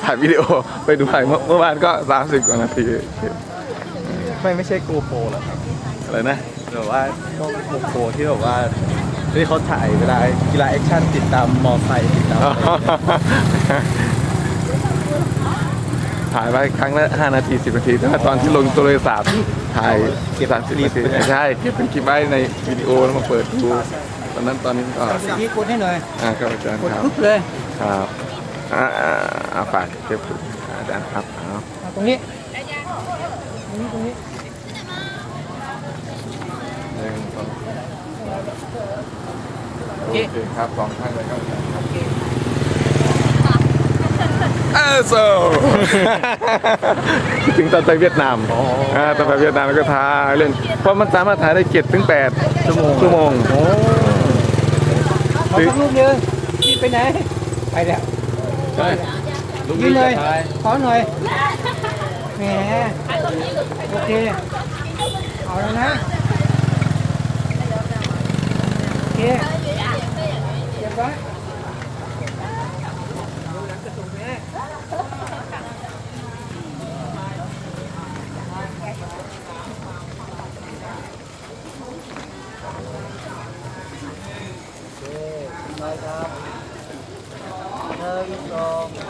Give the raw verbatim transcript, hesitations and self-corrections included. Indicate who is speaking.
Speaker 1: ถ่ายวิดีโอไปดูถ่ายเมื่อวานก็สามสิบกว่านาที
Speaker 2: ไม่ไม่ใช่โกโปรหรอครับ
Speaker 1: อะไรนะ
Speaker 2: แบบว่าก็โกโปรที่แบบว่าที่เขาถ่ายเวลากีฬาแอคชั่นติดตามมอไซค์ติดตามอะไรอย่างเงี้ย
Speaker 1: ถ่ายไว้ครั้งละห้านาทีสิบนาทีแต่ว่าตอนที่ลงโทรศัพท์ถ่ายเก็บสามสิบนาทีใช่เก็บเป็นคลิปไว้ในวิดีโอแล้วมาเปิดดูตอนนั้นตอนนี้ก็
Speaker 3: พี่กดให้หน่อย
Speaker 1: อ่าครับอาจารย์
Speaker 3: กด
Speaker 1: ครับ
Speaker 3: ปุ๊บเลย
Speaker 1: ครับอ่าอ่าอ่าฝากเก็บอาจารย์ครับเอา
Speaker 3: เอาตรงนี้ตรงนี้ตรงนี้
Speaker 1: หนึ่งสองโอเคครับสองข้างเลยครับเออโซ คิดถึงตอนไปเวียดนามอ่าตอนไปเวียดนามแล้วก็ถ่ายเล่นเพราะมันสามารถถ่ายได้เจ็ดถึงแปดชั่วโมงชั่วโมง
Speaker 3: ขอสักรูปหนึงพี่ไปไหนไปแล้ว
Speaker 1: ใช่
Speaker 3: ยืนเลยขอหน่อยแหมโอเคเอาแล้วนะโอเคเรียบร้อย
Speaker 2: หนึ่งสอง